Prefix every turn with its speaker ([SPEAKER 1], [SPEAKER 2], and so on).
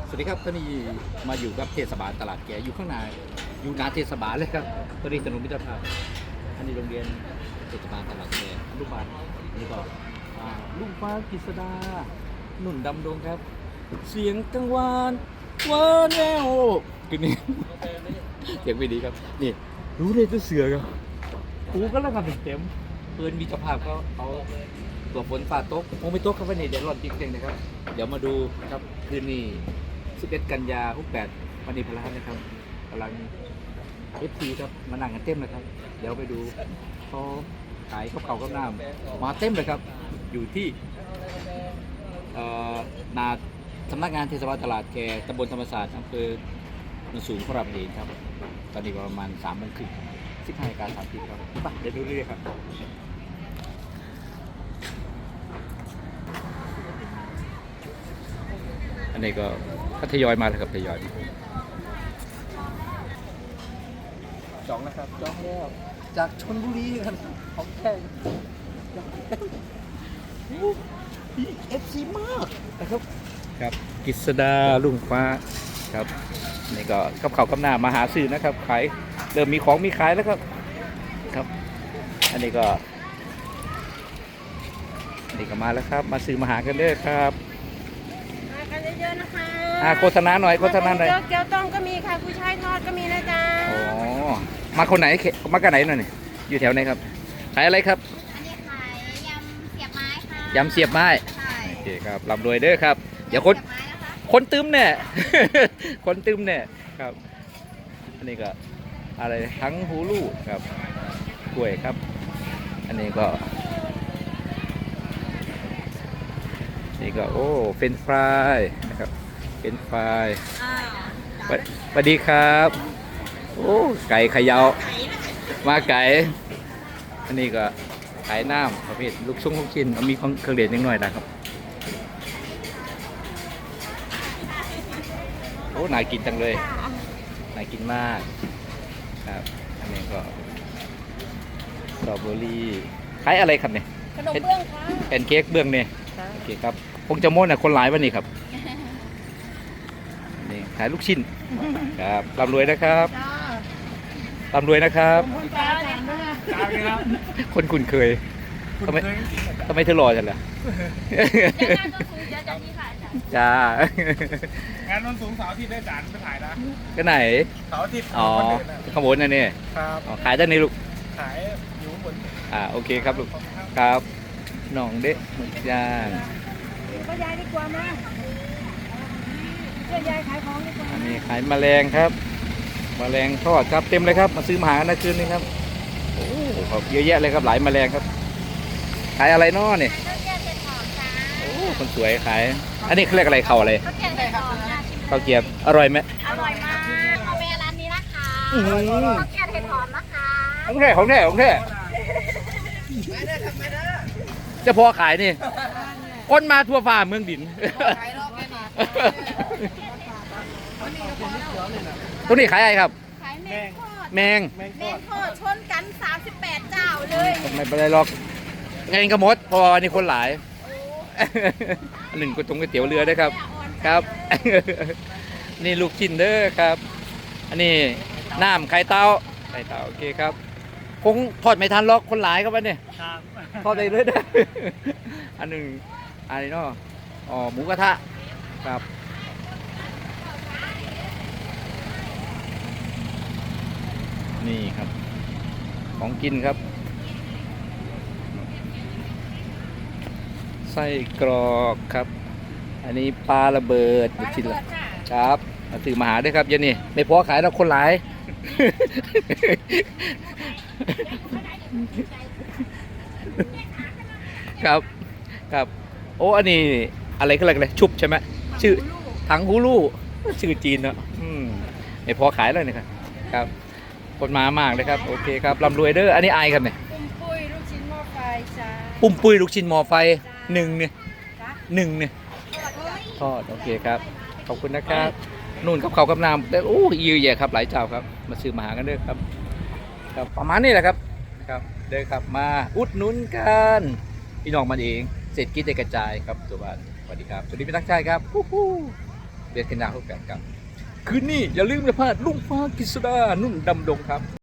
[SPEAKER 1] สวัสดีครับตอนนี้มาอยู่กับเทศบาลตลาดแกอยู่ข้างในอยู่หน้าเทศบาลเลยครับตอนนี้ถนนมิตรภาพอันนี้โรงเรียนเทศบาลตลาดแกลูกบ้านอันนี้ก็ลุงฟ้ากฤษดาหนุ่นดำดงครับ เสียงกังวานวานแววคือนี่ เสียงไม่ดีครับนี่รู้เลยตัวเสือครับกูก็แล้วกันเต็มเพื่อนมีเจ้าภาพก็เอาตัวฝนฝ่าตกคงไม่ตกครับวันนี้เดี๋ยวร้อนจริงๆนะครับเดี๋ยวมาดูครับคืนนี้11 กันยา68วันนี้พลาดนะครับกำลังFTครับมานั่งกันเต็มเลยครับเดี๋ยวไปดูเขาขายข้าวเก่ากับน้ำมาเต็มเลยครับอยู่ที่นาสำนักงานเทศบาลตลาดแกตำบลธรรมศาสตร์อำเภอโนนสูงพระรามเองครับตอนนี้ประมาณ3:30 15:30ครับไปเดี๋ยวดูเรื่อยครับอันนี้ก็ทยอยมาแล้วครับทยอยจองนะครับจองแล้วจากชลบุรีครับของแท้FC มากนะครับครับกฤษดาลุงฟ้าครับนี่ก็กับเขาวกับหน้ามาหาซื้อนะครับขายเริ่มมีของมีขายแล้วครับครับอันนี้ก็มาแล้วครับมาซื้อมาหากันเด้อครับ
[SPEAKER 2] มากันเยอะๆนะคะ
[SPEAKER 1] โฆษณาหน่อยโฆษณาหน่อย
[SPEAKER 2] เกี๊ยวต้มก็มีค่ะกุ้ยช่ายทอดก็มีนะจ๊ะ
[SPEAKER 1] อ๋อมาคนไหนมากันไหนหน่อยนี่อยู่แถวไหนครับขายอะไรครับ
[SPEAKER 2] อันนี้ขายยำเสียบไม้ค่ะ
[SPEAKER 1] ยำเสียบไม้โอเคครับร่ำรวยเด้อครับเดี๋ยวคนตึมเนี่ย คนตึมเนี่ยครับอันนี้ก็อะไรทั้งฮูลูครับกล้วยครับอันนี้ก็นี่ก็โอ้เฟรนช์ฟรายนะครับเฟรนช์ฟรายสวัสดีครับโอ้ไก่เขยาวมาไก่อันนี้ก็ขายน้ำประเภทลูกชิ้นมีเครื่องเด่นนิดหน่อยนะครับโอ้น่ากินจังเลยน่ากินมากครับอันนี้ก็สตรอเบอรี่ขายอะไรครับเนี่ย
[SPEAKER 2] ขนมเบื้องค่ะ
[SPEAKER 1] แอนเค้กเบื้องเนี่ยโอเคครับคงจะโม้นะคนหลายวันนี้ครับนี่ขายลูกชิ้นครับร่ำรวยนะครับร่ำรวยนะครับคนคุ้นเคยทำไมเธอรอจังล่ะจ้าง
[SPEAKER 3] านนนสูงเสาร์อาทิตย์ได้จานไปถ่ายนะ
[SPEAKER 1] ก็ไหน
[SPEAKER 3] เสาร์อาทิตย์
[SPEAKER 1] อ๋อขบวนนั่นนี่
[SPEAKER 3] ครับ
[SPEAKER 1] ขายด้านนี้ลูก
[SPEAKER 3] ขายอยู่บน
[SPEAKER 1] โอเคครับลูกครับหน่องเด็กหมึกย่าง
[SPEAKER 2] ก็ยายดีกว่ามาช่วยยายขายของดีกว่า
[SPEAKER 1] อันนี้ขายแมลงครับแมลงทอดครับเต็มเลยครับมาซื้อมาหานะคืนนี้ครับโอ้ครับเยอะแยะเลยครับหลายแมลงครับขายอะไรน้อเนี่ยโอ้คนสวยขายอันนี้เขาเรียกอะไรเขาอะไรข้าวเกี๊ยวอร่อยไหม
[SPEAKER 2] อร่อยมากเอาไปร้านนี้นะคะข้าวเกี๊ยวเห็ดหอมนะคะ
[SPEAKER 1] ของแท้จะพอขายนี่คนมาทั่วฟ้าเมืองดินตัวนี้ขายอะไรครับ
[SPEAKER 2] ขาย
[SPEAKER 1] แมง
[SPEAKER 2] ทอดชนกัน38เจ้าเลย
[SPEAKER 1] ไม่เป็นไรหรอกไงก็หมดพอนี่คนหลายอันหนึ่งก็ตรงก๋วยเตี๋ยวเรือด้วยครับครับนี่ลูกชิ้นเด้อครับอันนี้น้ำไข่เต้าโอเคครับคงทอดไม่ทันหรอกคนหลายครับวันนี้ทอดไปเรื่อยเด้ออันหนึ่งอันนี้เนาะหมูกระทะครับนี่ครับของกินครับไส้กรอกครับอันนี้ปลาระเบิดชิ้นละครับมาถือมาหาด้วยครับเย็นนี่ไม่พอขายแล้วคนหลายครับโอ้อันนี้อะไรก็อะไรชุบใช่ไหมชื่อถังฮูลูชื่อจีนเนาะไม่พอขายแล้วนี่ครับคนมามากเลยครับโอเคครับร่ำรวยเด้ออันนี้ไอครับเนี่ย
[SPEAKER 2] ปุ้มปุ้ยลูกชิ้นหม้อไฟจ้า
[SPEAKER 1] ปุ้มปุ้ยลูกชิ้นหม้อไฟหนึ่งเนี่ยทอดโอเคครับขอบคุณนะครับนู่นกับเขากับน้ำแต่โอ้ยแย่ครับหลายเจ้าครับมาซื้อมาหากันเด้อครับประมาณนี้แหละครับเด้อครับมาอุดหนุนกันพี่น้องมันเองเศรษฐกิจได้กระจายครับตัวบ้านสวัสดีครับสวัสดีพี่ทักษ์ชัยครับเดือนกันยายน68ครับคืนนี้อย่าลืมอย่าพลาดลุงฟ้ากฤษดานุ่นดำดงครับ